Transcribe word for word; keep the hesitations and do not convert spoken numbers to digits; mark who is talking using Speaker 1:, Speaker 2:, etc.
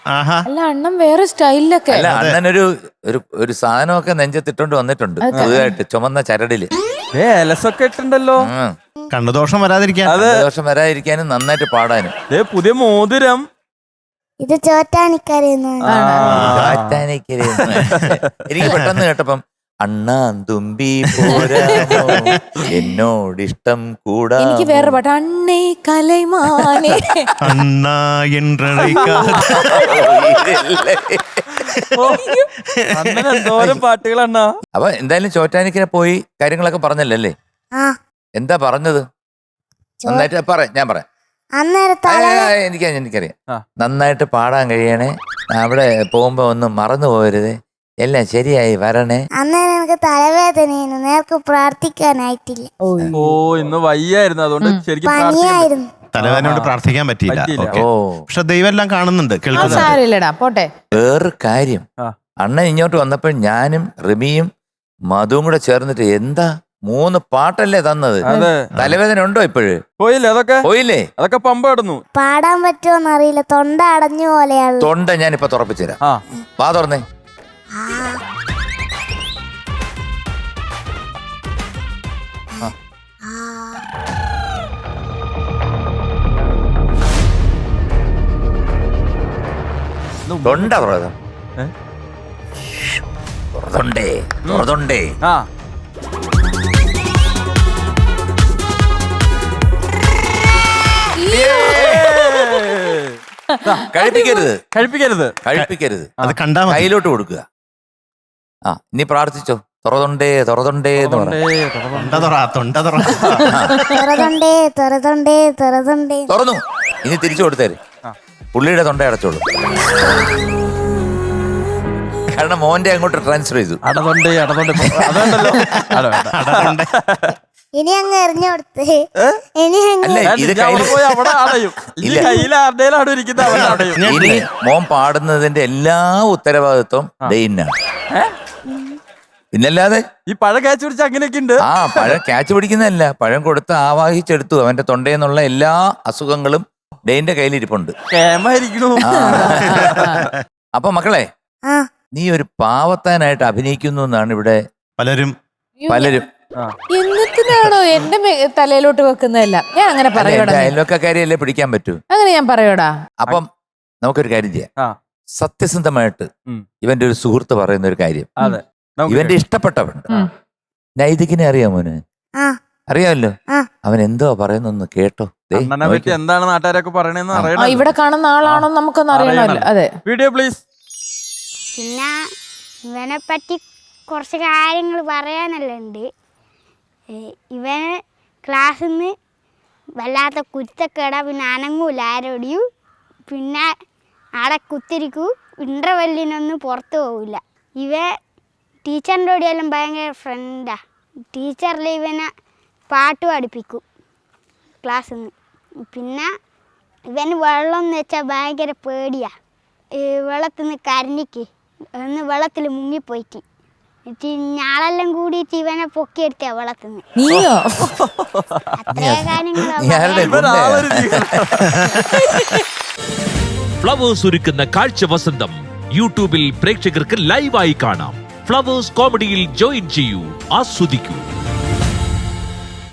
Speaker 1: അല്ല അണ്ണൻ വേറെ സ്റ്റൈലിലൊക്കെ.
Speaker 2: അല്ല അണ്ണനൊരു ഒരു ഒരു സാധനമൊക്കെ നെഞ്ചത്തിട്ടോണ്ട് വന്നിട്ടുണ്ട് പുതുതായിട്ട്, ചുമന്ന ചരടില്
Speaker 3: ഏലസൊക്കെ ഇട്ടുണ്ടല്ലോ.
Speaker 4: കണ്ണുദോഷം വരാതിരിക്കാൻ,
Speaker 2: ദോഷം വരാതിരിക്കാനും നന്നായിട്ട് പാടാനും.
Speaker 3: പുതിയ മോതിരം.
Speaker 5: ഇത് ചോറ്റാനിക്കരയെന്ന്.
Speaker 2: എനിക്ക് പെട്ടെന്ന് കേട്ടപ്പം അണ്ണാൻ തുമ്പി പോരാമോ എന്നോടിഷ്ടം കൂടാ.
Speaker 1: എനിക്ക് വേറെ പാട്ട് അണ്ണേ കലൈമാനേ
Speaker 4: അണ്ണാ
Speaker 3: എന്തോരം പാട്ടുകളണ്ണ.
Speaker 2: അപ്പൊ എന്തായാലും ചോറ്റാനിക്കരെ പോയി കാര്യങ്ങളൊക്കെ പറഞ്ഞല്ലേ? എന്താ പറഞ്ഞത്? നന്നായിട്ട് പറ, ഞാൻ പറയാം. എനിക്ക് എനിക്കറിയാം. നന്നായിട്ട് പാടാൻ കഴിയണേ, അവിടെ പോകുമ്പോ ഒന്നും മറന്നു പോകരുത്, എല്ലാം ശരിയായി വരണേ.
Speaker 5: അന്നേരം എനിക്ക് തലവേദനയായിരുന്നു, നേർക്ക് പ്രാർത്ഥിക്കാനായിട്ടില്ല.
Speaker 3: ഓ ഇന്ന് വയ്യായിരുന്നു, അതുകൊണ്ട് ശരിക്കും
Speaker 5: പനിയായിരുന്നു.
Speaker 4: തലവേദനയോട് പ്രാർത്ഥിക്കാൻ പറ്റിയില്ല.
Speaker 2: ഓ
Speaker 4: പക്ഷെ ദൈവം എല്ലാം കാണുന്നുണ്ട്,
Speaker 1: കേൾക്കുന്നുണ്ട്. പോട്ടെ.
Speaker 2: വേറൊരു കാര്യം, അണ്ണൻ ഇങ്ങോട്ട് വന്നപ്പോൾ ഞാനും റിമിയും മധുവും കൂടെ ചേർന്നിട്ട് എന്താ മൂന്ന് പാട്ടല്ലേ തന്നത്. തലവേദന ഉണ്ടോ ഇപ്പോഴ്?
Speaker 3: പോയില്ലേ? അതൊക്കെ
Speaker 2: പോയില്ലേ?
Speaker 3: അതൊക്കെ പമ്പ കിടന്നു.
Speaker 5: പാടാൻ പറ്റുമോന്ന് അറിയില്ല, തൊണ്ട അടഞ്ഞു പോലെയാണ്.
Speaker 2: തൊണ്ട ഞാനിപ്പൊ തുറപ്പിച്ചു തരാം. വാ തുറന്നേ. തൊണ്ട തുറന്നേ തുറന്നുണ്ടേ തുറന്നുണ്ടേ.
Speaker 3: ആ
Speaker 2: കഴിപ്പിക്കരുത്
Speaker 3: കഴിപ്പിക്കരുത്
Speaker 2: കഴിപ്പിക്കരുത്
Speaker 4: അത് കണ്ടാ
Speaker 2: കയ്യിലോട്ട് കൊടുക്കുക. ആ ഇനി പ്രാർത്ഥിച്ചോ. തുറതുണ്ടേ തുറതുണ്ടേ എന്ന് തുറന്നു. ഇനി തിരിച്ചു കൊടുത്തേര്, പുള്ളിയുടെ തൊണ്ട അടച്ചോളൂ. കാരണം മോന്റെ അങ്ങോട്ട് ട്രാൻസ്ഫർ ചെയ്തു.
Speaker 3: അടതൊണ്ടേ അടതൊണ്ടേ
Speaker 5: ഇനി അങ്ങ് എറിഞ്ഞു കൊടുത്ത് ഇനി
Speaker 2: ഇനി മോൻ പാടുന്നതിന്റെ എല്ലാ ഉത്തരവാദിത്വം ഡെയിനാണ്. പിന്നല്ലാതെ
Speaker 3: ഈ പഴം ക്യാച്ച് പിടിച്ച അങ്ങനെയൊക്കെ ഉണ്ട്.
Speaker 2: ആ പഴം ക്യാച്ച് പിടിക്കുന്നതല്ല, പഴം കൊടുത്ത് ആവാഹിച്ചെടുത്തു. അവന്റെ തൊണ്ടയെന്നുള്ള എല്ലാ അസുഖങ്ങളും ഡെയിന്റെ കയ്യിലിരിപ്പുണ്ട്. അപ്പൊ മക്കളെ, നീ ഒരു പാവത്താനായിട്ട് അഭിനയിക്കുന്നു എന്നാണ് ഇവിടെ പലരും പലരും
Speaker 1: എന്നിട്ടാണോ എന്റെ തലയിലോട്ട് വെക്കുന്നതല്ല? ഞാൻ അങ്ങനെ പറയോടാ,
Speaker 2: അയൽവക്കക്കാരിയല്ലേ പിടിക്കാൻ പറ്റൂ.
Speaker 1: അങ്ങനെ ഞാൻ പറയോടാ.
Speaker 2: അപ്പം നമുക്കൊരു കാര്യം ചെയ്യാം. സത്യസന്ധമായിട്ട് ഇവന്റെ ഒരു സുഹൃത്ത് പറയുന്ന ഒരു കാര്യം, ഇവന്റെ ഇഷ്ടപ്പെട്ടവൻ നൈതികിനെ അറിയാമോന്? അറിയാമല്ലോ. അവൻ എന്തോ പറയുന്നൊന്ന് കേട്ടോ.
Speaker 3: എന്താണ് നാട്ടുകാരൊക്കെ പറയണെന്ന് അറിയണം.
Speaker 1: ഇവിടെ കാണുന്ന ആളാണോ നമുക്കൊന്നും അറിയണമല്ലോ. അതെ,
Speaker 3: വീഡിയോ പ്ലീസ്.
Speaker 5: പിന്നെ ഇവനെ പറ്റി കുറച്ച് കാര്യങ്ങൾ പറയാനല്ലേ ഉണ്ട്. ഇവന് ക്ലാസ്സിൽ നിന്ന് വല്ലാത്ത കുരുത്തക്കേടാ, പിന്നെ അനങ്ങൂല ആരോടിയും, പിന്നെ ആടെ കുത്തിരിക്കൂ, ഇൻ്റർവെല്ലിനൊന്നും പുറത്തു പോകില്ല. ഇവ ടീച്ചറിൻ്റെ കൂടെയെല്ലാം ഭയങ്കര ഫ്രണ്ടാ. ടീച്ചറിൽ ഇവനെ പാട്ട് പഠിപ്പിക്കും ക്ലാസ്സിൽ നിന്ന്. പിന്നെ ഇവന് വെള്ളം എന്ന് വെച്ചാൽ ഭയങ്കര പേടിയാ. വെള്ളത്തിൽ നിന്ന് കരഞ്ഞിക്ക് ഒന്ന് വെള്ളത്തിൽ മുങ്ങിപ്പോയിട്ട് ഞാളെല്ലാം കൂടിയിട്ട് ഇവനെ പൊക്കിയെടുത്ത വെള്ളത്തിൽ നിന്ന്. അത്രേ കാര്യങ്ങൾ.
Speaker 6: ഫ്ലവേഴ്സ് ഒരുക്കുന്ന കാഴ്ച വസന്തം യൂട്യൂബിൽ പ്രേക്ഷകർക്ക് ലൈവായി കാണാം. ഫ്ലവേഴ്സ് കോമഡിയിൽ ജോയിൻ ചെയ്യൂ, ആസ്വദിക്കൂ.